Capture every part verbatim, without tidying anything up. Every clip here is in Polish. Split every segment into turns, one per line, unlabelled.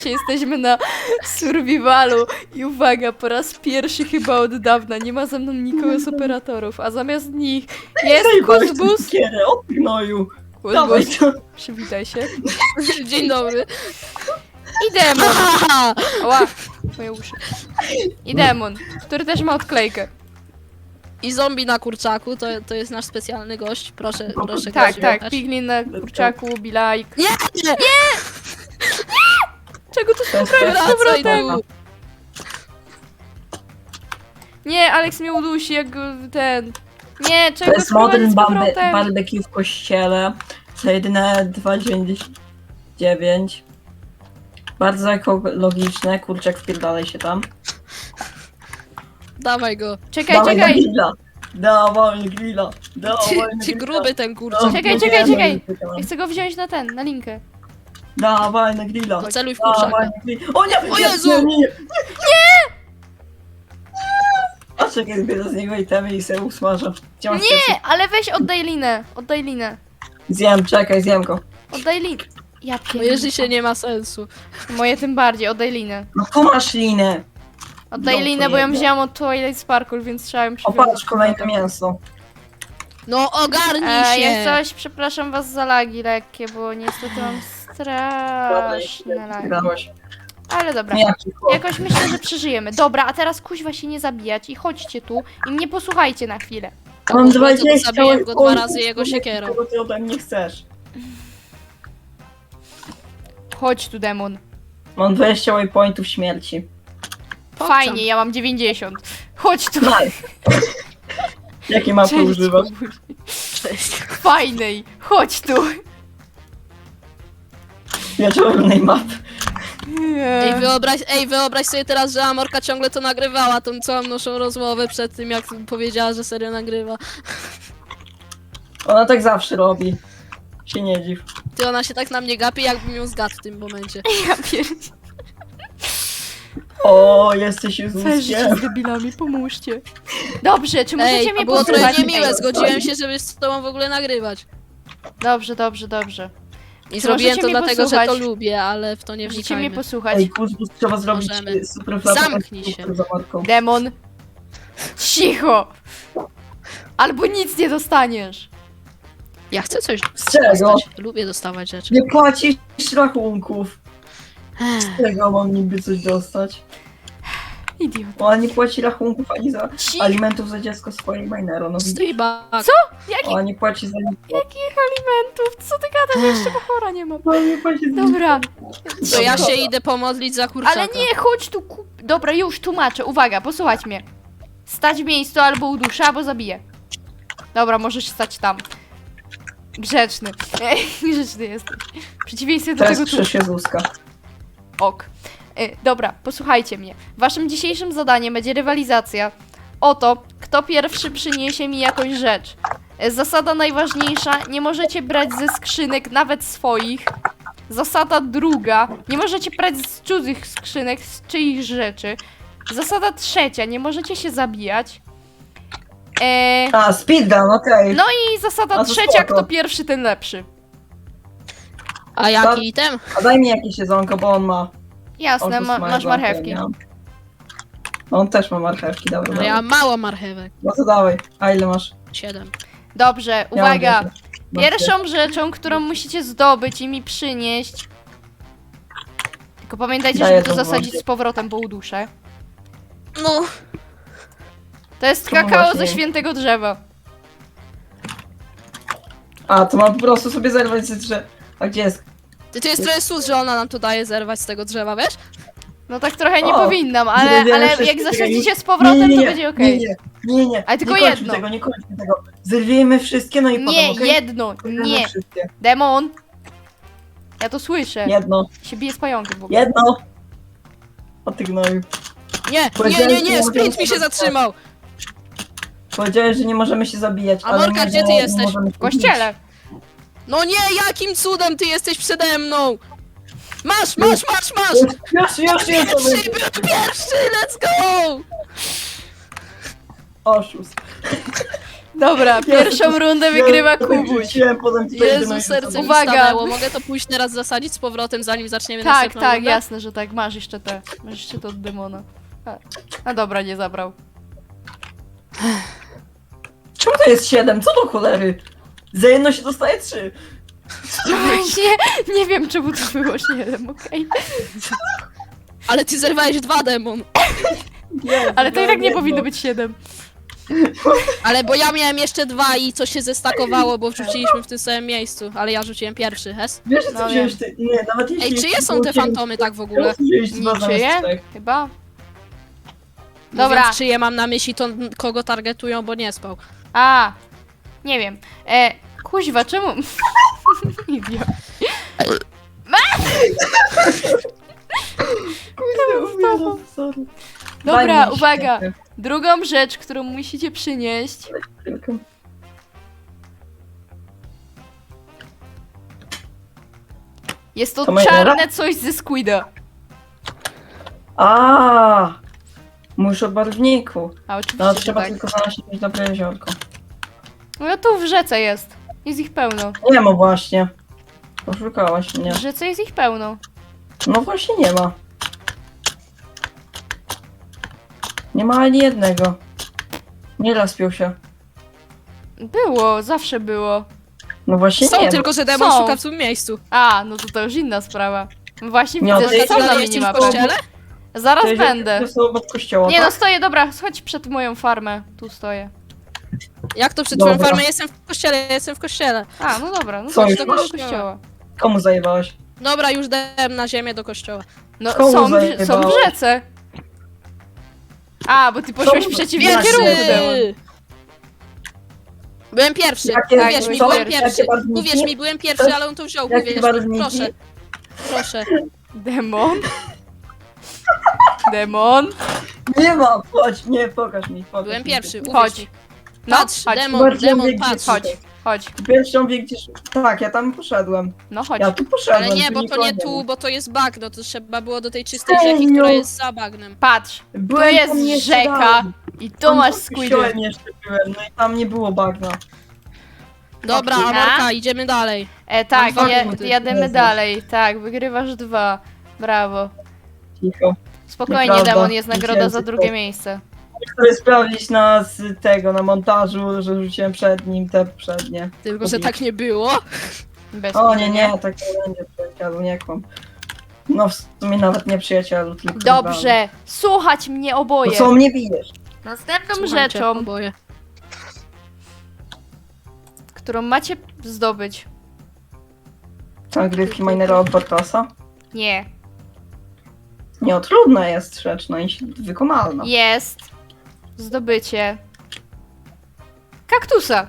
Jesteśmy na survivalu i uwaga, po raz pierwszy chyba od dawna nie ma ze mną nikogo z operatorów, a zamiast nich jest Kuzbus.
O gnoju. Dawaj
Kuzbus,
to.
przywitaj się.
Dzień dobry.
I Demon. Ła, moje uszy. I Demon, który też ma odklejkę.
I zombie na kurczaku, to, to jest nasz specjalny gość. Proszę, proszę
Tak,
gościu
tak,
jechać.
Piglin na kurczaku, Bilajk.
Nie, nie!
Czego to
To jest
jest z
Wracaj
powrotem?
tu.
Nie, Alex mnie udusi jak go ten... Nie,
To
czego
jest modern
z
barbe
powrotem?
barbecue w kościele. Za jedyne dwa dziewięćdziesiąt dziewięć. Bardzo ekologiczne. Kurczak, wpierdalaj się tam.
Dawaj go.
Czekaj,
Dawaj na
czekaj.
grilla. Dawaj na grilla. Dawaj
Ty,
na
ty
grilla.
gruby ten kurczak.
No,
Czekaj,
no
czekaj,
nie,
czekaj.
no, no,
Ja chcę go wziąć na ten, na linkę.
Dawaj na grilla.
To celuj w
Dawaj
kurczaka.
na grilla. O nie!
O
nie,
Jezu!
Nie! Nie! nie. A czekaj, zbiorę z niego itemy i sobie usmażę. Gdzie masz piesek?
Nie, ale weź oddaj linę. Oddaj linę.
Zjem, czekaj, zjem go.
Oddaj linę. Ja
Bo
pierdolę.
jeżeli się nie ma sensu.
Moje tym bardziej, oddaj linę.
No tu masz linę.
Oddaj
No,
linę,
to
bo ją
jedno.
wzięłam od Twilight Sparkle, więc trzeba ją
O,
przywiązać.
patrz, kolejne mięso.
No ogarnij
E,
się!
jak coś, przepraszam was za lagi lekkie, bo niestety mam straszne lagi.
Grałeś.
Ale dobra.
Nie, jaki chłop.
Jakoś myślę, że przeżyjemy. Dobra, a teraz kuźwa się nie zabijać i chodźcie tu i mnie posłuchajcie na chwilę.
Mam
Bo
dwadzieścia
zabiję go dwa
oj,
razy jego siekierą.
Czego ty ode mnie chcesz?
Chodź tu, demon.
Mam dwadzieścia waypointów śmierci.
Fajnie, ja mam dziewięćdziesiąt. Chodź tu.
Nice. Jakie mapy
Cześć,
używasz?
kubuś.
Cześć.
Fajnej. Chodź tu.
Wieczornej mapy.
Ej wyobraź, ej, wyobraź sobie teraz, że Amorka ciągle to nagrywała, tą całą naszą rozmowę przed tym, jak powiedziała, że serio nagrywa.
Ona tak zawsze robi. Się nie dziw.
Ty, ona się tak na mnie gapi, jakbym ją zgadł w tym momencie.
Ja pierdzie.
O, jesteś już
Całe życie z debilami, pomóżcie. Dobrze, czy możecie
Ej,
mnie
to było
posłuchać?
trochę niemiłe,
Ej,
zgodziłem się, żeby z tobą w ogóle nagrywać.
Dobrze, dobrze, dobrze.
I
Czy
zrobiłem
możecie
to
mnie
dlatego, że to
posłuchać?
lubię, ale w to nie
Możecie mnie
wnikajmy.
posłuchać.
Ej, kuzbus, trzeba zrobić
Możemy.
y, super flata.
Zamknij się.
Super zamarką.
Demon. Cicho. Albo nic nie dostaniesz.
Ja chcę coś
Z czego?
dostać. Lubię dostawać rzeczy.
Nie płacisz rachunków.
Ech,
Z czego mam niby coś dostać?
Idiot.
Ona nie płaci rachunków ani za
Ci...
alimentów za dziecko swojej minero. No widzisz?
Streetback.
Co? Jaki...
Ona nie płaci za nic.
Jakich alimentów? Co ty gadasz? Jeszcze chora nie mam.
Ona nie płaci za nic.
Dobra.
To ja się idę pomodlić za kurczaka.
Ale nie, chodź tu. Ku... Dobra, już tłumaczę. Uwaga, posłuchać mnie. Stać w miejscu albo uduszę, albo zabiję. Dobra, możesz stać tam. Grzeczny. Grzeczny jesteś. W przeciwieństwie do
Teraz
tego tu.
krzyż Jezuska.
Ok. Y, dobra, posłuchajcie mnie. Waszym dzisiejszym zadaniem będzie rywalizacja o to, kto pierwszy przyniesie mi jakąś rzecz. Y, Zasada najważniejsza, nie możecie brać ze skrzynek, nawet swoich. Zasada druga, nie możecie brać z cudzych skrzynek, z czyichś rzeczy. Zasada trzecia, nie możecie się zabijać. E,
A, speedrun, okej.
no i zasada
A to
trzecia,
spoko.
kto pierwszy, ten lepszy.
A jaki item?
A daj mi jakieś jedzonko, bo on ma.
Jasne,
Otóż
ma,
ma
masz
jedzonko,
marchewki.
ja nie mam. On też ma marchewki, dobra.
Ale
dobra.
ja mam mało marchewek.
No to dawaj. A ile masz?
Siedem.
Dobrze,
Ja mam
uwaga.
dziesięć. Masz
Pierwszą rzeczą, którą musicie zdobyć i mi przynieść. Tylko pamiętajcie,
Daję
żeby to
to
zasadzić
włożyć.
z powrotem, bo uduszę.
No.
To jest
To
kakao
właśnie.
ze świętego drzewa.
A, to mam po prostu sobie zerwać ze drzew. A gdzie jest?
Ty, to jest trochę sus, że ona nam tu daje zerwać z tego drzewa, wiesz?
No tak trochę nie
O,
powinnam, ale,
zerwiemy
ale
wszystkie,
jak zasadzicie
czekaj,
z powrotem,
nie, nie,
to
nie,
będzie okej.
Nie, nie, nie, nie.
Ale tylko
nie kończmy
jedno.
tego, nie kończmy tego. Zerwijmy wszystkie, no i
Nie,
potem, okej?
jedno,
Zerwijmy
nie.
wszystkie.
Demon! Ja to słyszę.
Jedno,
Się bije z pająkiem w ogóle.
jedno. O ty gnoju.
Nie, nie,
Powiedziałem,
nie,
że
nie,
nie
sprint
możemy
mi się
się
zatrzymał.
Powiedziałeś, że nie możemy się zabijać,
A
ale
Morka,
nie,
gdzie ty
nie
jesteś?
możemy się
W kościele.
No nie, jakim cudem ty jesteś przede mną? Masz, masz, masz, masz!
bić. Już, już, już, to
Pierwszy,
będzie.
był pierwszy, let's go!
Oszust.
Dobra, pierwszą rundę wygrywa Kubuś.
Rzuciłem, potem tutaj
Jezu,
jedno i
serce
drugie.
mi
Uwaga.
stanęło. Mogę to pójść teraz zasadzić z powrotem, zanim zaczniemy
Tak,
następną
tak,
rundę?
jasne, że tak. Masz jeszcze te. Masz jeszcze to od demona. A, a dobra, nie zabrał.
Czemu to jest siedem? Co do cholery? Za jedno się dostaje trzy.
No właśnie, nie wiem czemu to było siedem, okej.
Ale ty zerwałeś dwa, demon.
Nie,
Ale to i tak nie
jedno.
powinno być siedem.
Ale bo ja miałem jeszcze dwa i coś się zestakowało, bo wrzuciliśmy w tym samym miejscu. Ale ja rzuciłem pierwszy, hes?
Wiesz, co
No
wziąłeś ty? Nie, nawet jeśli...
Ej, czyje są te fantomy tak w ogóle?
Niczyje? Chyba. Dobra.
Mówiąc, czyje mam na myśli, to kogo targetują, bo nie spał.
A, nie wiem. E, kuźwa, czemu... Idiot.
Sorry.
Dobra,
Daj mi
uwaga.
świetnie.
Drugą rzecz, którą musicie przynieść.
Chwilkę.
Jest to
To moja
czarne coś ze Squida.
A, Muszę o barwniku.
A
No,
oczywiście, że
trzeba
tak.
tylko znaleźć jakieś dobre jeziorko.
No tu w rzece jest. Jest ich pełno.
Nie ma właśnie. Poszukałaś mnie.
W rzece jest ich pełno.
No właśnie nie ma. Nie ma ani jednego. Nie rozpiął się.
Było, zawsze było.
No właśnie
Są,
nie ma.
tylko że demon
Są.
szuka w tym miejscu.
A, no to to już inna sprawa. Właśnie
Nie,
widzę,
to
że są
jest-
na
Ale jesteś w
minimapie.
kościele?
Zaraz
To jeziorko
będę.
jest obok kościoła,
Nie no,
tak?
stoję, dobra, chodź przed moją farmę. Tu stoję.
Jak to przed
Dobra.
twoją farmą? Jestem w kościele, jestem w kościele.
A, no dobra, no
Co,
chodź
już
do
masz?
kościoła. kościoła.
Komu zajebałeś?
Dobra, już dałem na ziemię do kościoła.
No
Komu
są, w- są w
zajebałeś?
rzece. A, bo ty poszłeś w
Są-
przeciwnym
Pierwszy.
kierunku, demon.
Byłem pierwszy.
Jakie-
Uwierz mi,
są-
byłem
jakie
pierwszy.
barwniki?
Uwierz mi, byłem pierwszy, ale on to wziął.
Jakie
Uwierz mi,
barwniki?
proszę. Proszę.
Demon. Demon.
Nie ma! Chodź, nie, pokaż mi. Pokaż
Byłem
mi.
pierwszy, uwierz
Chodź.
mi.
No,
Patrz,
chodź,
demon,
Bardziej
demon,
mówię,
patrz.
gdzie-
chodź, chodź.
Pierwszą wie gdzieś... Tak, ja tam poszedłem.
No chodź.
Ja tu poszedłem.
Ale nie,
tu
bo to
nikogo
nie
ma.
tu, bo to jest bagno, to trzeba było do tej czystej
Serio?
rzeki, która jest za bagnem.
Patrz, tu
Byłem tam
jest
jeszcze
rzeka
dalej.
i tu
Tam
masz
pod
squidy.
kościołem jeszcze byłem, no i tam nie było bagna.
Dobra,
Dobra.
Amorka, idziemy dalej.
E, tak,
Mam dwa
je,
punkty.
jademy
Jezus.
dalej. Tak, wygrywasz dwa. Brawo.
Cicho.
Spokojnie,
Nieprawda.
demon, jest nagroda za
Tysięcy
drugie
to-
miejsce.
Chcę sprawdzić na z tego, na montażu, że rzuciłem przed nim te przednie.
Tylko, że tak nie było.
Bez
O nie,
kłótnia.
nie, tak nie będzie przyjacielu, nie kłam. No w sumie nawet nie przyjacielu, tylko
Dobrze, słuchać mnie
rywale.
oboje.
No co mnie bijesz?
Następną
Słuchajcie,
rzeczą,
oboje.
którą macie zdobyć.
Nagrywki minera od Bartosa?
Nie.
Nie, o, trudna jest rzecz, no i wykonalna.
Jest zdobycie kaktusa.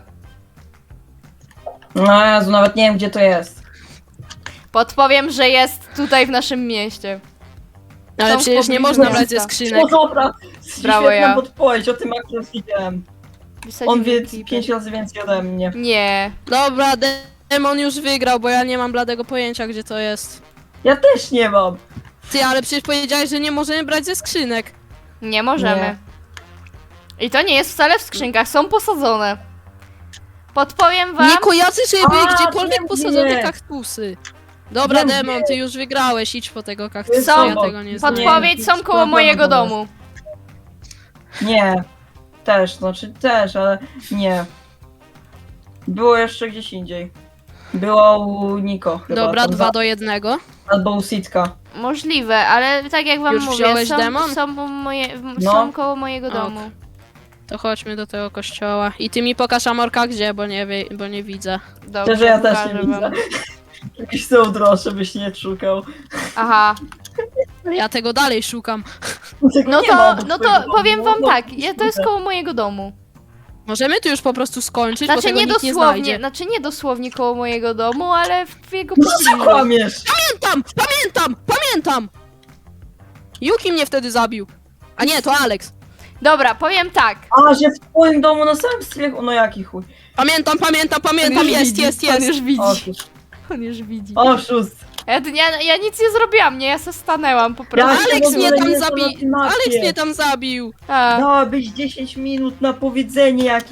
No Jezu, nawet nie wiem gdzie to jest.
Podpowiem, że jest tutaj w naszym mieście.
Ale
Są w
przecież nie
pobliżu
można brać ze
miasta.
skrzynek.
No dobra,
Brawo,
świetna
ja.
podpowiedź, o tym akurat widziałem.
Wysadził
On wie
ekipę.
pięć razy więcej ode mnie.
Nie.
Dobra, demon już wygrał, bo ja nie mam bladego pojęcia, gdzie to jest.
Ja też nie mam.
Ty, ale przecież powiedziałeś, że nie możemy brać ze skrzynek.
Nie możemy.
Nie.
I to nie jest wcale w skrzynkach, są posadzone. Podpowiem wam.
Nie kojarzę, żeby były
A,
gdziekolwiek
wiem,
posadzone
gdzie.
kaktusy. Dobra,
Wiem,
demon,
gdzie.
ty już wygrałeś, idź po tego kaktusa,
Są-
ja tego nie znam.
Podpowiedź
Nie,
są
to
koło
jest
mojego
problem.
domu.
Nie. Też, znaczy też, ale nie. Było jeszcze gdzieś indziej. Było u Niko chyba.
Dobra,
tam
dwa
za-
do jednego.
Albo u Sitka.
Możliwe, ale tak jak wam
Już
mówię,
wziąłeś
są,
demon?
są, u moje, w-
No.
są koło mojego
Ok.
domu.
To chodźmy do tego kościoła. I ty mi pokaż Amorka gdzie, bo nie, wie, bo nie widzę.
Dobrze,
Szczerze ja też
pokażę
nie widzę.
wam.
Jakieś są droższe, byś nie szukał.
Aha,
Ja tego dalej szukam.
Tego
no
nie
to,
ma, bo
no
twojego
to
domu
powiem wam
było
tak, je, to jest
kurde.
koło mojego domu.
Możemy tu już po prostu skończyć, bo
Znaczy
tego
nie
nikt nie
dosłownie,
znajdzie.
znaczy nie dosłownie koło mojego domu, ale w jego
No co
pobliżu.
kłamiesz?
Pamiętam! Pamiętam! Pamiętam! Yuki mnie wtedy zabił. A nie, to Alex.
Dobra, powiem tak.
A, że w twoim domu na samym strychu, no jaki chuj.
Pamiętam, pamiętam,
On
pamiętam,
już
jest,
widzi,
jest,
On
jest.
już widzi,
Otóż.
on już widzi.
Oszust.
Ja, ja, ja nic nie zrobiłam, nie, ja se stanęłam po prostu.
Ja-
Alex
w ogóle
mnie tam
nie są
zabił.
na tym mapie.
Alex mnie tam zabił.
A,
Dałabyś dziesięć minut na powiedzenie jakieś.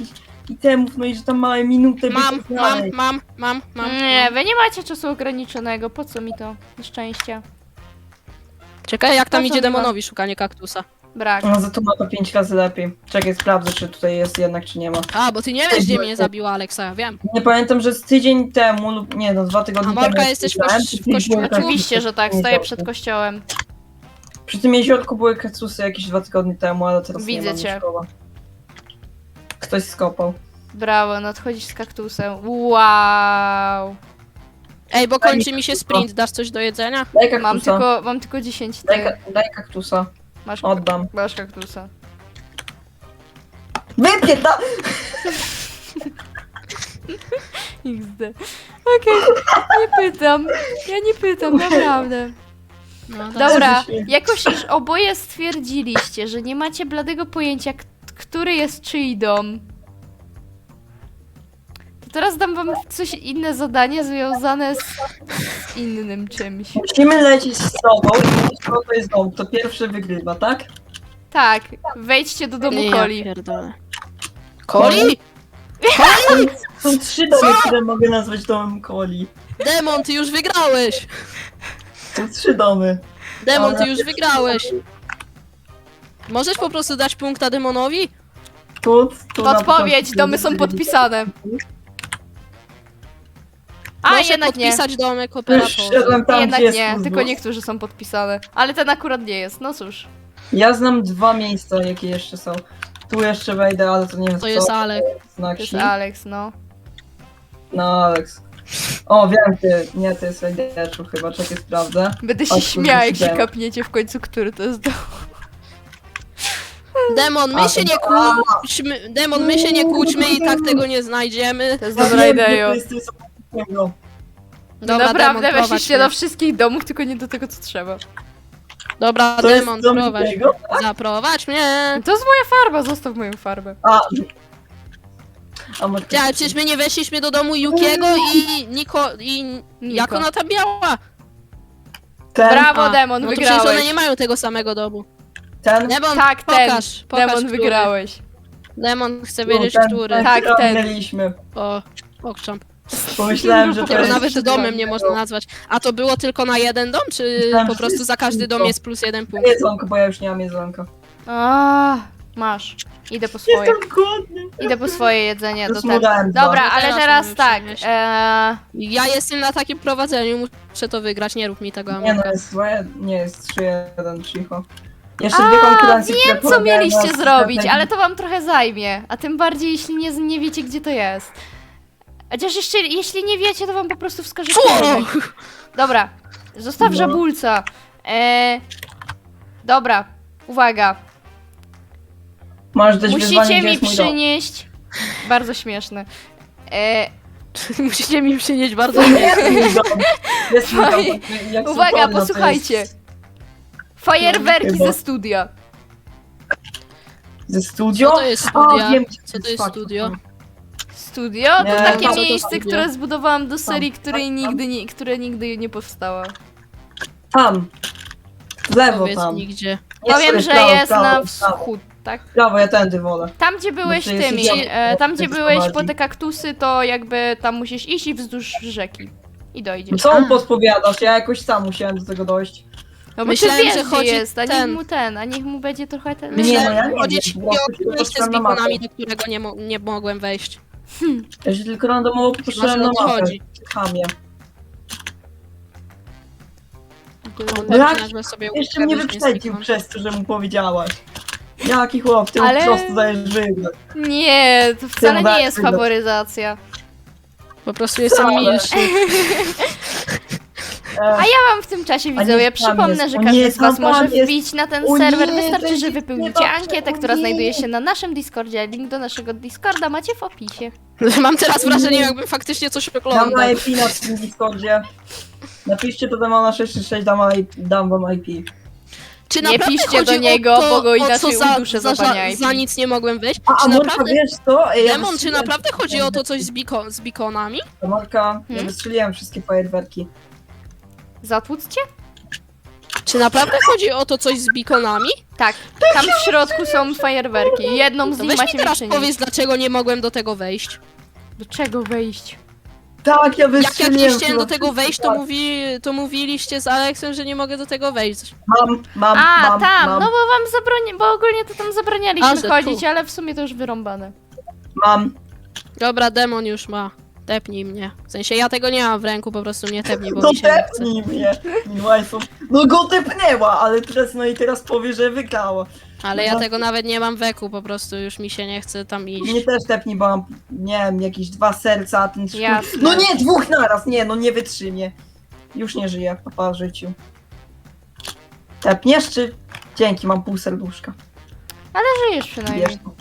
itemów, no i że tam małe minuty by
Mam,
to
mam,
znaleźć.
mam, mam, mam.
Nie, wy nie macie czasu ograniczonego, po co mi to? Na szczęście.
Czekaj, jak tam
Po co
idzie
mi ma?
demonowi szukanie kaktusa.
Brak.
No za to ma to pięć razy lepiej. Czekaj, sprawdzę, czy tutaj jest jednak, czy nie ma.
A, bo ty nie wiesz, gdzie mnie zabiła Aleksa, ja wiem.
Nie pamiętam, że z tydzień temu lub nie, no dwa tygodnie
A Morka,
temu. jak
jesteś w
widziałem,
kości-
przy
w
tym
kościele?
były kaktusy
Oczywiście, że tak,
w tym
stoję
jeziorku.
przed kościołem.
Przy tym jeziorku były kaktusy jakieś dwa tygodnie temu, ale teraz
Widzę
nie ma
cię.
szkoła. Ktoś skopał.
Brawo, nadchodzisz z kaktusem. Wow.
Ej, bo
Daj mi
kończy mi się
kaktusa.
sprint, dasz coś do jedzenia?
Daj kaktusa.
Mam tylko, mam tylko dziesięć
Daj,
ty.
ka- daj kaktusa.
Masz,
Oddam.
masz kaktusa.
Wypię to!
iks de. Okej, nie pytam. Ja nie pytam, naprawdę.
No, tak.
Dobra,
Jezus święty.
jakoś już oboje stwierdziliście, że nie macie bladego pojęcia, k- który jest czyj dom. To teraz dam wam coś inne zadanie związane z, z innym czymś.
Musimy lecieć z sobą i mówić, kto to jest dom. To pierwszy wygrywa, tak?
Tak, wejdźcie do domu
Ja
Coli.
pierdolę. Coli?
Są trzy domy, które mogę nazwać domem Coli.
Demon, ty już wygrałeś!
Są trzy domy.
Demon, ty
Ale-
już wygrałeś! Możesz po prostu dać punkta demonowi?
Tu, tu na
Podpowiedź,
początku
domy są
wygrali.
podpisane. A,
Proszę
jednak nie.
podpisać domek
Już
operatora.
szedłem tam,
Jednak
gdzie jest
nie,
Ursus.
tylko niektórzy są podpisane. Ale ten akurat nie jest, no cóż.
Ja znam dwa miejsca, jakie jeszcze są. Tu jeszcze wejdę, ale to nie wiem
To
co.
jest Alek.
Znak
To jest
si.
Alex, no.
No, Alex. O, wiem ty. Nie, to jest Rajdeczu chyba, czekaj, sprawdzę.
Będę
O,
się
kurde,
śmiała, jak się
widziałem.
kapniecie w końcu, który to jest dom.
Demon, my
A,
się
to-
nie kłóćmy. Demon, my się nie kłóćmy i tak tego nie znajdziemy.
To jest
Ja
dobra
wiem, gdzie
idea.
to jest, to jest obok.
Dobra,
Naprawdę
Demon, prowadź
weszliście do
mnie.
wszystkich domów, tylko nie do tego, co trzeba.
Dobra,
To jest
Demon,
dom
prowadź.
Wikiego?
Zaprowadź mnie.
To jest moja farba, zostaw moją farbę.
A. A może...
Ja, ale przecież my nie weszliśmy do domu Yukiego i Niko... i...
Niko.
Jak ona tam miała?
Ten,
Brawo,
A,
Demon,
no to przecież one
wygrałeś.
nie mają tego samego domu.
ten.
Demon,
Tak, ten.
pokaż, pokaż,
Demon,
który.
wygrałeś.
Demon, chcę
No,
wiedzieć,
ten,
który.
Ten,
Tak,
który
ten.
ominęliśmy.
O, okczamp.
Pomyślałem, że to
Tego
jest...
nawet domem nie można nazwać. A to było tylko na jeden dom, czy
Myślałem,
po
że
prostu
jest
za każdy dom
tylko.
jest plus jeden punkt?
Jedzonko, bo ja już nie mam jedzonka.
A, masz. Idę po swoje.
Jestem głodny.
Idę po swoje jedzenie do
Już
ten.
mu dałem dwa.
Dobra,
No
ale
teraz
teraz
mamy
tak.
przynieść.
Eee,
Ja jestem na takim prowadzeniu, muszę to wygrać, nie rób mi tego,
Nie no,
Amelka.
jest złe, nie jest trzy jeden, cicho. Jeszcze
A,
dwie konkurencje, które
wiem, co
polegają
mieliście
na
zrobić,
sklepie.
ale to wam trochę zajmie. A tym bardziej, jeśli nie, nie wiecie, gdzie to jest. Chociaż jeszcze, jeśli nie wiecie, to wam po prostu wskażę kierunek. Dobra, zostaw
No.
żabulca. Eee, dobra, uwaga.
Masz dać wyzwanie,
Musicie
gdzie
mi
jest mój dom.
przynieść... Bardzo śmieszne. Eee,
Musicie mi przynieść bardzo
Jest mój dom. Jest mój dom. Jak są
uwaga,
wolno, to
posłuchajcie.
jest
Fajerwerki
Chyba.
ze studia.
Ze studio?
Co to jest
A,
studia?
wiem, gdzie
Co to
jest
jest
fakt.
studio?
Studio to
Nie,
takie
co to
miejsce,
studio?
które zbudowałam do serii,
Tam,
której
tam,
nigdy nie, które nigdy nie powstała.
Tam. W lewo
Powiedz
tam.
mi gdzie.
Nie,
Powiem,
sorry,
że
prawo,
jest
prawo,
na
prawo.
wschód, tak?
Prawo, ja tędy wolę.
Tam, gdzie byłeś
to jest
tymi,
idiota,
e, tam,
bo
gdzie
tak
byłeś po
prowadzi.
te kaktusy, to jakby tam musisz iść i wzdłuż rzeki. I dojdziesz.
Co
A.
mu podpowiadasz? Ja jakoś sam musiałem do tego dojść.
No bo
Myślałem,
ty wiesz,
że
gdzie
chodzi
jest, a niech
ten.
mu ten, a niech mu będzie trochę ten...
Nie,
Myślałem,
no ja
że
nie
chodzi
wiem,
ci
po prostu
o
tylko
miejsce z
patrzyłem na mapę.
bikonami, do którego nie, mo nie mogłem wejść.
Ja się tylko randomowo popatrzyłem
Znaczy,
na
o co
mapę.
chodzi?
Chamie.
Pewnie
Jak?
nazwę sobie
Jeszcze mnie
ukradłeś
wyprzedził
Mystic
przez to, że mu powiedziałaś. Jaki chłop, ty
Ale-
mu po prostu dajesz wygrać.
Nie, to wcale nie
dać
jest
wygrać.
faworyzacja.
Man. Po prostu jestem
Wcale.
milszy.
E,
A ja wam w tym czasie
A
widzowie
niech tam
przypomnę,
jest.
że
O
każdy
nie,
z was
tam
może
jest.
wbić na ten
O
serwer.
nie,
Wystarczy,
będzie
że wypełnicie
dobrze,
ankietę,
o
która
nie.
znajduje się na naszym Discordzie. Link do naszego Discorda macie w opisie.
Mam teraz wrażenie, jakbym faktycznie coś
Dam
oglądał.
na I P na tym Discordzie. Napiszcie to Demona sześć sześć sześć, dam, I- dam wam I P.
Czy
Nie
naprawdę
piszcie
chodzi
do niego,
o to,
bo go
o
inaczej
co za,
uduszę
za,
za
za,
pani I P.
za nic nie mogłem wejść?
A, a
Czy
Morka,
naprawdę,
wiesz co? Ej, ja
Demon, czy
wystrzeliłem
naprawdę
wszystkie
chodzi o to coś
fajerwerki.
z, biko z bikonami?
Morka, ja
Hmm?
wystrzeliłem wszystkie fajerwerki.
Zatłuc cię?
Czy naprawdę chodzi o to coś z bikonami?
Tak, tam w środku są fajerwerki. Jedną z
To
nich
weź mi
macie mi
teraz
przynieść.
powiedz, dlaczego nie mogłem do tego wejść.
Do czego wejść?
Tak, ja
Jak ja
wystrzeliłem.
nie chciałem do
chyba
tego wejść, to,
wszystko.
mówi, to mówiliście z Aleksem, że nie mogę do tego wejść.
Mam, mam,
A,
mam,
tam,
mam,
no bo wam zabroni... bo ogólnie to tam zabranialiśmy
A, że
chodzić,
tu.
ale w sumie to już wyrąbane.
mam.
Dobra, demon już ma. Tepnij mnie. W sensie ja tego nie mam w ręku, po prostu mnie tepnij, bo
No
mi się nie chce.
tepnij mnie. Wajfu. No go tepnęła, ale teraz, no i teraz powie, że wygrała.
Ale ja
No.
tego nawet nie mam w eku, po prostu już mi się nie chce tam iść.
Mnie też tepnij, bo mam, nie wiem, jakieś dwa serca, a ten szkół...
Jasne.
No nie, dwóch naraz, nie, no nie wytrzymie. Już nie żyję, papa w życiu. Tepniesz czy... Dzięki, mam pół serduszka.
Żyjesz
Wiesz,
przynajmniej.
no.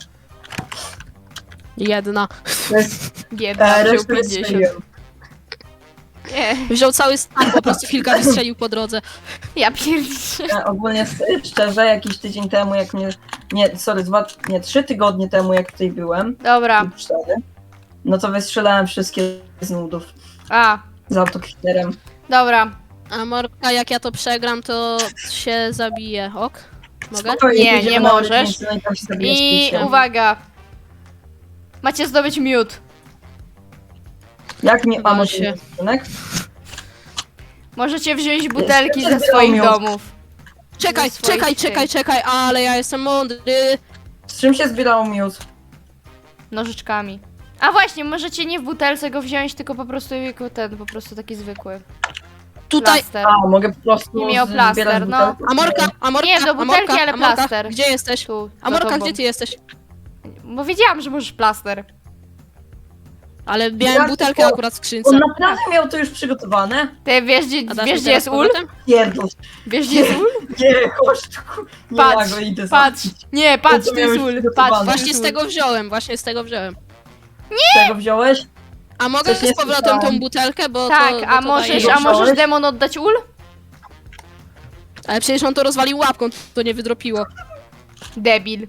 Jedna.
To jest...
Biedna,
E,
wziął
resztę
pięćdziesiąt.
wystrzeliłem.
Nie,
Wziął cały stan, po prostu kilka wystrzelił po drodze.
ja pierdziszę.
Ja ogólnie s- szczerze, jakiś tydzień temu, jak mnie... Nie, sorry, dwa, nie, trzy tygodnie temu, jak tutaj byłem,
Dobra,
lub cztery, no to wystrzelałem wszystkie z nudów
a,
z autokwiterem.
dobra.
A Morka, jak ja to przegram, to się zabije. Ok? Mogę?
Spokojnie,
Nie,
pójdziemy
nie
na
możesz.
ulicę, no i tam się zabijesz
I
piciem.
uwaga. Macie zdobyć miód.
Jak nie... A
Wal
może
się.
nie rysunek?
Możecie wziąć butelki
Jeszcze
ze swoich
miód.
domów.
Czekaj,
Ze swoich
czekaj,
tych.
czekaj, czekaj, ale ja jestem mądry.
Z czym się zbierało miód?
Nożyczkami. A właśnie, możecie nie w butelce go wziąć, tylko po prostu jako ten, po prostu taki zwykły.
Tutaj.
Plaster.
A, mogę po prostu
Nie miał
z-
plaster,
zbierać
no.
butelki?
A Morka, a Morka,
Nie, do
a
butelki,
Morka,
ale
a Morka,
plaster.
Gdzie jesteś?
Tu,
A
za
Morka,
tobą.
gdzie ty jesteś?
Bo wiedziałam, że możesz plaster.
Ale miałem
Ja
butelkę
tylko-
akurat w skrzynce.
On naprawdę miał to już przygotowane?
Ty wiesz, gdzie,
A dasz
wiesz,
mi
gdzie jest
teraz
ul?
powrotem?
Pierdol.
Wiesz, gdzie jest ul?
Nie, chodź tu. ku- Nie,
Patrz,
ja go idę
Patrz,
zabić.
nie, patrz,
to
tu jest
miałeś
ul,
przygotowane.
patrz, tu
Właśnie
jest
z
ul.
tego wziąłem, właśnie z tego wziąłem.
Z tego wziąłeś?
A mogę
Coś nie
z powrotem
słyszałem.
tą butelkę, bo
Tak,
to, bo
a
to
możesz,
daje.
a możesz
Wziąłeś?
demon oddać ul?
Ale przecież on to rozwalił łapką, to nie wydropiło.
Debil.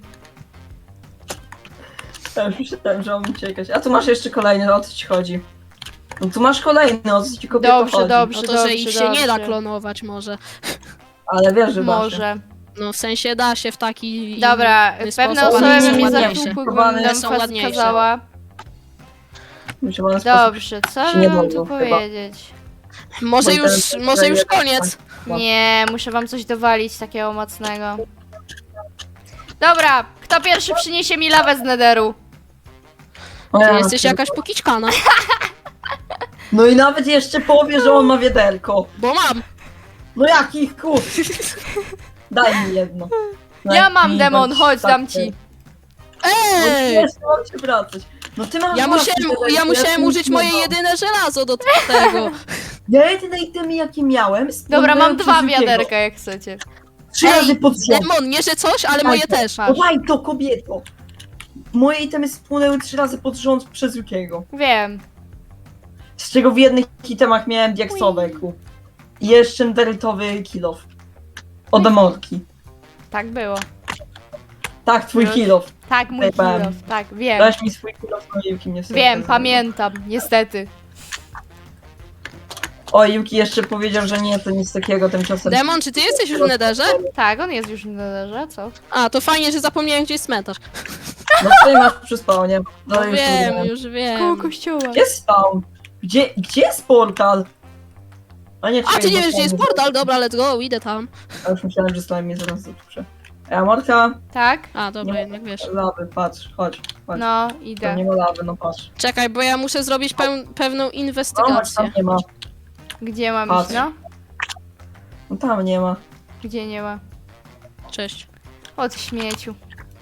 Ja już myślałem, że on uciekać. A tu masz jeszcze kolejny, o co ci chodzi? No tu masz kolejny, o co ci kobieto
Dobrze,
chodzi?
dobrze.
No to, że ich się nie da
dobrze.
klonować może.
Ale wiesz, że da się.
Może.
No w sensie da się w taki
Dobra,
inny
pewne
sposób.
osoby
Ładniejsze,
by mnie
ładniejsze.
zatłukły,
Chowane
gdybym
są
nam
ładniejsze.
kazała.
Myślę, że sposób...
Dobrze, co
się
by
nie
wam tu
dadzą chyba.
powiedzieć?
Może
Bo
już,
ten-
może już
ten-
koniec.
No.
Nie, muszę wam coś dowalić takiego mocnego. Dobra, kto pierwszy przyniesie mi lawę z nederu?
O
Ty
ja,
jesteś
ty-
jakaś pokiczkana.
No i nawet jeszcze powie, że on ma wiaderko.
Bo mam.
No jakich kur... Daj mi jedno. Daj
Ja mam
mi,
demon,
bądź
chodź, dam
tak,
ci.
No
Ej!
nie, mam się wracać. No ty masz
Ja
własne
musiałem,
wiaderko,
ja musiałem
ci
użyć
nie
moje
dam.
jedyne żelazo do tego.
Ja jedyne itemy jakie miałem...
Dobra,
spłynęły
mam
przez
dwa
Yukiego.
wiaderka, jak chcecie.
Trzy
Ej,
razy pod rząd.
Demon, nie że coś, ale moje też.
No daj to, kobieto! Moje itemy spłynęły trzy razy pod rząd przez Yukiego.
Wiem.
Z czego w jednych itemach miałem diaksowe ku. I jeszcze deritowy kill off. Od Amorki.
Tak było.
Tak, twój
Już.
kill off.
Tak, mój
Zajebałem.
kilof, tak, wiem.
Dałeś mi swój kill off, no Yuki mnie wstyd.
Wiem, pamiętam, niestety.
O, Yuki jeszcze powiedział, że nie, to nic takiego tymczasem.
Demon, czy ty jesteś już w nederze?
Tak, on jest już w nederze, co?
A, to fajnie, że zapomniałem, gdzie jest cmentarz.
No ty masz przy spawnie.
No
No już
wiem,
wiem.
już
Koło
wiem.
kościoła.
Gdzie jest spawn? Gdzie, gdzie jest portal? A nie,
A,
czekaj,
ty nie
bo
wiesz, gdzie jest
slime-
portal? Dobra, let's go, idę tam.
A już myślałem, że slime mnie zaraz zatusze. Ej, Amorka,
Tak?
A, dobra, jednak wiesz.
lawy, patrz, chodź, chodź.
No,
Tam
idę.
nie ma lawy, no patrz.
Czekaj, bo ja muszę zrobić peł pewną
No, chodź, tam
inwestygację.
nie ma.
Gdzie mam
Patrz.
iść, no?
No tam nie ma.
Gdzie nie ma?
Cześć.
Od śmieciu.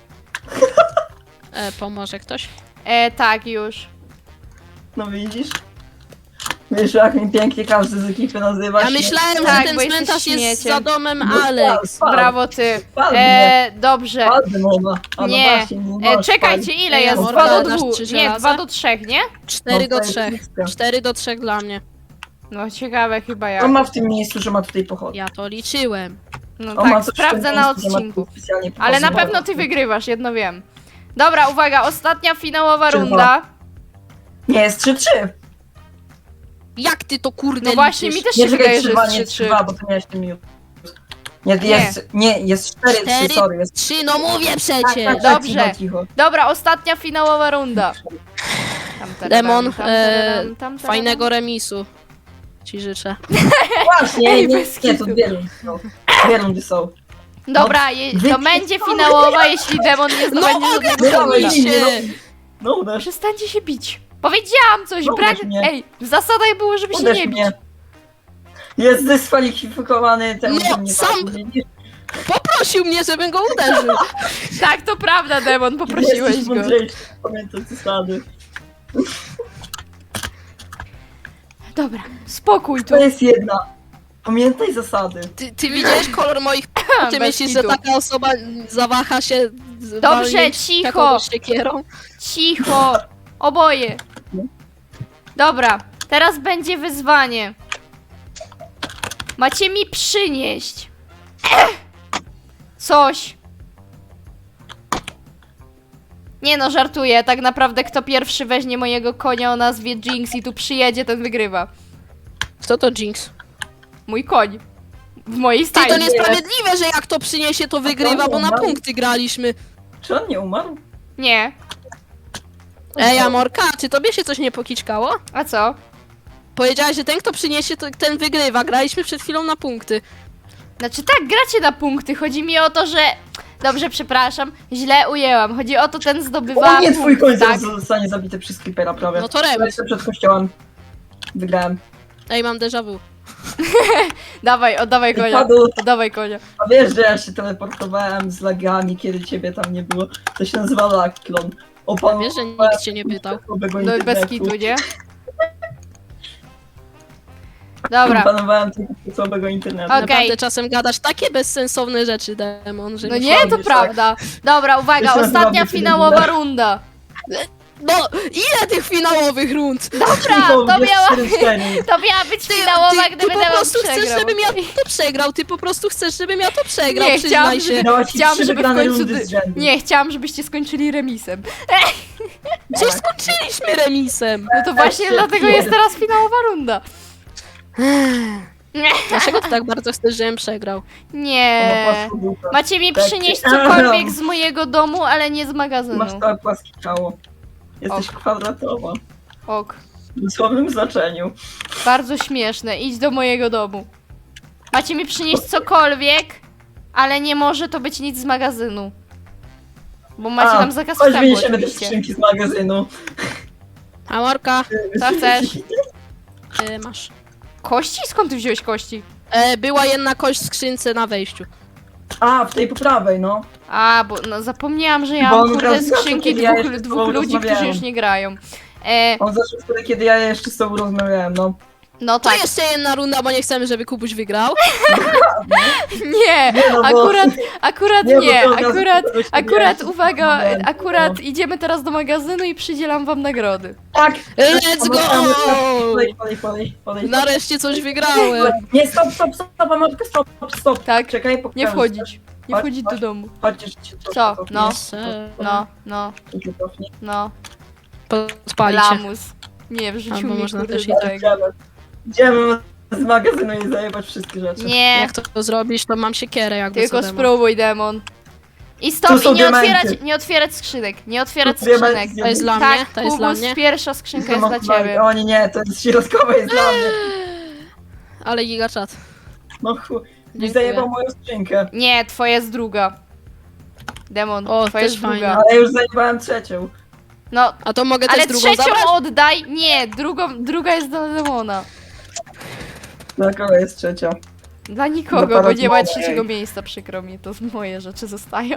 E, pomoże ktoś?
E, tak, już.
No widzisz? Wiesz, jak mi pięknie każdy z ekipy nazywa.
Ja
się-
myślałem,
Tak,
że ten
bo jesteś
cmentarz jest
śmieciem.
za domem
No,
Alex.
Spal,
Brawo ty.
spal mnie.
E, dobrze.
Ładny mowa. A no
Nie.
właśnie, nie
E,
możesz
czekajcie,
spalić.
ile
Ej,
jest?
Amorka,
Dwa do
dasz
dwóch.
trzy
Nie,
żelaza?
dwa do trzech, nie?
Cztery do
No, to jest
trzech.
blisko.
Cztery do trzech dla mnie.
No ciekawe chyba jak.
On ma w tym miejscu, że ma tutaj pochodnie.
Ja to liczyłem.
No
On ma
tak,
coś w
sprawdzę
tym
na
miejscu, że ma
odcinku.
tu specjalnie
Ale na
pochodnie.
pewno ty wygrywasz, jedno wiem. Dobra, uwaga, ostatnia finałowa
Trzy,
runda.
Nie, jest trzy trzy.
Jak ty to kurde
No właśnie,
liczysz?
mi też
Nie,
się
czekaj,
wydaje, że
trzy dwa,
jest
nie
trzy
trzy
trzy.
dwa, bo to miałeś ten miód. Nie,
Nie.
jest, nie, jest cztery,
Cztery,
trzy, sorry, jest...
Trzy, no mówię
Tak,
przecież!
tak, tak,
Dobrze.
cicho, cicho.
Dobra, ostatnia finałowa runda. Tam, tam,
Demon,
tam, tam,
e,
tam, tam, tam.
Fajnego remisu. Ci życzę.
Właśnie,
Ej,
nie,
bez
nie, to
kitu.
dwie rundy są. Dwie rundy są.
Dobra, je, to
Wy-
będzie finałowa, jeśli demon nie
No
zdobędzie
mogę
żadnego
dawaj,
punkta.
się!
No uderz,
Przestańcie się bić. Powiedziałam coś,
No,
brak...
uderz mnie.
Ej, w zasadach było, żeby się
uderz
nie bić.
mnie. Jest dyskwalifikowany, ten
No,
nie
sam-
tak, nie-
Poprosił mnie, żebym go uderzył.
Tak, to prawda, demon, poprosiłeś
Jesteś
go.
mądrzejszy, pamiętaj zasady.
Dobra, spokój tu.
To jest jedna. Pamiętaj zasady.
Ty, ty widziałeś kolor moich... Ty
Bez
myślisz, że
kitu.
taka osoba zawaha się... z-
Dobrze,
walnięć
cicho.
taką siekierą?
Cicho! Oboje! Dobra, teraz będzie wyzwanie. Macie mi przynieść coś. Nie no, żartuję. Tak naprawdę kto pierwszy weźmie mojego konia o nazwie Jinx i tu przyjedzie, ten wygrywa.
Kto to Jinx?
Mój koń. W mojej
Ty, to
stajni.
niesprawiedliwe, że jak to przyniesie, to wygrywa, bo na
no.
punkty graliśmy.
Czy on nie umarł?
Nie.
Ej, Amorka, czy tobie się coś nie pokiczkało?
A co?
Powiedziałaś, że ten, kto przyniesie, to ten wygrywa. Graliśmy przed chwilą na punkty.
Znaczy tak, gracie na punkty. Chodzi mi o to, że... Dobrze, przepraszam. Źle ujęłam. Chodzi o to, ten zdobywa
O nie, twój
punkt,
koń
tak?
zaraz zostanie zabity przez creepera prawie.
No to remis.
Lecę przed kościołem. Wygrałem.
Ej, mam déjà vu.
Dawaj, oddawaj konia.
Padł.
Oddawaj konia.
A wiesz, że ja się teleportowałem z lagami, kiedy ciebie tam nie było? To się nazywa lagklon. Opanowałem
Wiesz, że nikt cię nie pytał.
słabego
No i bez
internetu.
kitu, nie? Dobra.
Opanowałem tego słabego internetu.
Okej.
Naprawdę czasem gadasz takie bezsensowne rzeczy, Demon, że
No
mi-
nie, to
Słabniesz,
prawda. Dobra, uwaga,
Jeszcze
ostatnia
naprawdę
finałowa
tyle.
runda.
No, ile tych finałowych rund?
Dobra,
Cicho,
to
jest
miała,
cztery cztery.
to miała być
Ty,
finałowa,
ty, ty
gdyby
po
demon
prostu chcesz,
przegrał.
żebym ja to przegrał. Ty po prostu chcesz, żebym ja to przegrał,
Nie,
przyznaj
chciałam,
się.
żeby-
Dałaś ci
Chciałam,
trzy
żeby w
wygrane
końcu...
rundy
dy-
z rzędu.
Nie, chciałam, żebyście skończyli remisem.
Przecież skończyliśmy remisem.
No to właśnie
się
dlatego
pierd-
jest teraz finałowa runda.
Dlaczego ty tak bardzo chcesz, żebym przegrał?
Ona
Nie.
płasko buta.
Macie mi
Tak.
przynieść cokolwiek z mojego domu, ale nie z
Masz
magazynu.
całe płaskie ciało. Jesteś
Och.
kwadratowa.
Ok.
W dosłownym znaczeniu.
Bardzo śmieszne. Idź do mojego domu. Macie mi przynieść cokolwiek, ale nie może to być nic z magazynu. Bo macie
A,
tam zakaz
Chodź,
wstępu
wyniesiemy te
oczywiście.
skrzynki z magazynu.
Amorka,
Co chcesz?
e, masz.
Kości? Skąd ty wziąłeś kości?
E, była jedna kość w skrzynce na wejściu.
A, w tej po prawej, no.
A, bo no, zapomniałam, że ja
Bo
mam
on
kurde
teraz zawsze,
skrzynki
kiedy ja
dwóch,
jeszcze z
dwóch
tobą
ludzi, którzy
rozmawiałem.
już nie grają. E,
On zaczął wtedy, kiedy ja jeszcze z tobą rozmawiałem, no.
no
To
tak.
jeszcze jedna runda, bo nie chcemy, żeby Kubuś wygrał.
Nie,
Nie, no bo-
akurat, akurat
Nie, bo
nie,
to od razu
akurat,
kogoś nie
akurat,
wiesz,
uwaga,
moment,
akurat
no.
idziemy teraz do magazynu i przydzielam wam nagrody.
Tak!
Let's go!
Podej, podej, podej, podej.
Nareszcie coś wygrałem.
Nie, stop, stop, stop, Amorka, stop, stop.
Tak,
Czekaj,
nie
pokażę.
wchodzić, nie
Chodź,
wchodzić do
chodź.
domu.
Chodź, jeszcze cię trochę
Co?
cofnę.
No.
Jeszcze.
No, no,
Trochę cofnę.
no,
Podpalić się.
lamus. Nie, wrzucił
Albo
mnie
można
kurde
też i
do
tak.
tego.
Idziemy. Idziemy z magazynu i zajebać wszystkie rzeczy.
Nie,
Jak to, to zrobisz, to mam siekierę jakby
tylko
co demon.
spróbuj, demon. I
Tu
stop,
są
i nie
diamenty.
otwierać, nie otwierać skrzynek, nie otwierać
Tu diamenty
skrzynek.
z
To jest dla
Tak,
mnie, to jest dla
Kubus,
mnie.
pierwsza skrzynka jest dla ciebie.
O nie, nie, to jest środkowa jest dla mnie.
Ale gigaczat.
No chu... Nie
Dziękuję.
zajebał moją skrzynkę.
Nie, twoja jest druga. Demon,
O,
twoja
też
jest druga.
fajne.
Ale już zajebałem trzecią.
No,
A to mogę
ale
też drugą
trzecią
zabrać?
oddaj. Nie, drugą, druga jest dla demona.
Dla kogo jest trzecia?
Dla nikogo,
Dla
bo nie ma
Paradoxa.
trzeciego miejsca, przykro mi, to moje rzeczy zostają.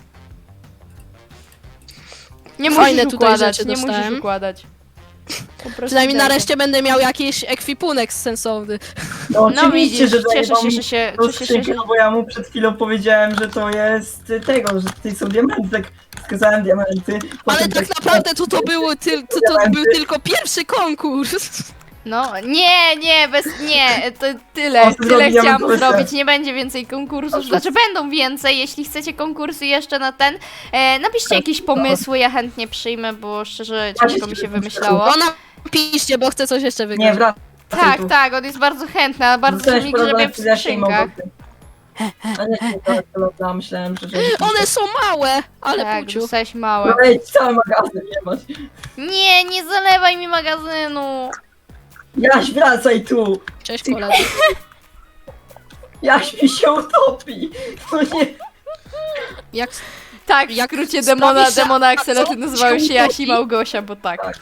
Nie
Fajne
musisz
tutaj
układać,
rzeczy
nie musisz
dostałem.
układać. Po prostu
Przynajmniej
daj.
nareszcie będę miał jakiś ekwipunek sensowny.
No
No
oczywiście,
widzisz,
że
cieszę
zajebał
się,
mi
że się,
tą
cieszę się,
skrzynkę,
że...
no bo ja mu przed chwilą powiedziałem, że to jest tego, że tutaj są diamenty, tak wskazałem diamenty.
Ale
potem
tak naprawdę to, to, było tyl, to, to był tylko pierwszy konkurs.
No, nie, nie, bez, nie, to tyle,
O,
tyle
zrobiłem
chciałam
konkursy.
zrobić, nie będzie więcej konkursów,
Otóż-
znaczy będą więcej, jeśli chcecie konkursy jeszcze na ten, e, napiszcie jakieś pomysły, ja chętnie przyjmę, bo szczerze ciężko mi się wymyślało.
No napiszcie, bo chcę coś jeszcze wygrać.
Nie, wracaj
Tak,
tu.
tak, on jest bardzo chętny, a bardzo
Dostałeś
mi grzebie
problem
w
z Jaśkiem
skrzynkach.
Mogoty. A nie, nie, to, to, to myślałem, że... że...
One są małe, ale
Tak,
puciu.
dostałeś
No
małe.
ej, cały magazyn nie masz.
Nie, nie zalewaj mi magazynu.
Jaś, wracaj tu!
Cześć koledzy.
Jaś mi się utopi! No nie,
Jak
Tak, w
Jak
skrócie
sprawisz,
demona,
że-
demona
a
Axela,
co
ty nazywają
się
się Jasi
utopi?
Małgosia, bo tak.
tak.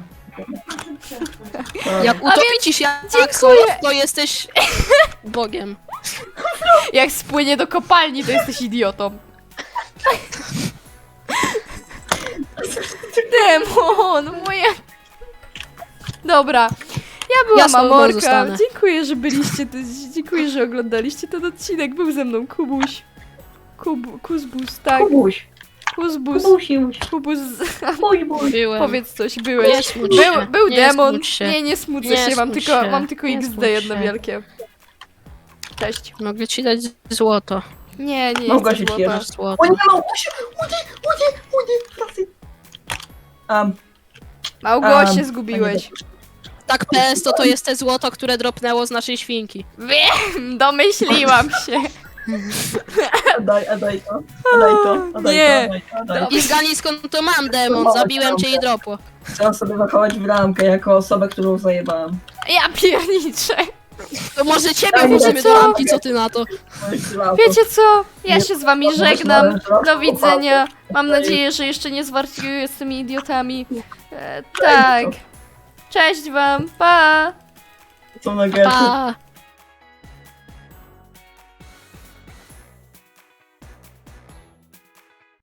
Jak utopić się
dziękuję.
to jesteś Bogiem.
Jak spłynie do kopalni, to jesteś idiotą. Demon, moja... Dobra. Ja byłam
Ja z tobą
Amorka.
zostanę.
Dziękuję, że byliście, tu, dziękuję, że oglądaliście ten odcinek. Był ze mną Kubuś. Kub, Kuzbus, tak.
Kubuś,
Kuzbus.
Kubusiuś,
Kubus.
Kubuś.
Byłem.
Powiedz coś, byłeś.
Nie smuć
Był,
się.
był
Nie
demon.
smuć się.
Nie, nie smucę
Nie
się, mam
smuć
tylko,
się.
mam tylko
Nie
X D
smuć
jedno
się.
wielkie. Cześć.
Mogę ci dać złoto.
Nie, nie
Mogła
jest
się
złota.
cieszę.
Masz złoto.
O nie, Małgosiu! Udy, udy, udy, wracaj! Um,
Małgosię
um,
zgubiłeś.
Tak, P S to to jest te złoto, które dropnęło z naszej świnki.
Wiem, domyśliłam się.
Daj, a daj to, a daj to, a daj
Nie.
to, a daj to, a daj to.
I zgadnij skąd to mam, demon. Zabiłem cię i dropło.
Chcę sobie zachować w ramkę jako osobę, którą zajebałam.
Ja pierniczę.
To może ciebie
Daj,
włożymy
co?
do ramki, co ty na to?
Wiecie co? Ja się z wami
Nie,
żegnam.
można-
Do widzenia. Mam nadzieję, że jeszcze nie zwariuję z tymi idiotami. E, tak. Cześć wam. Pa.
Co na getę.
Pa!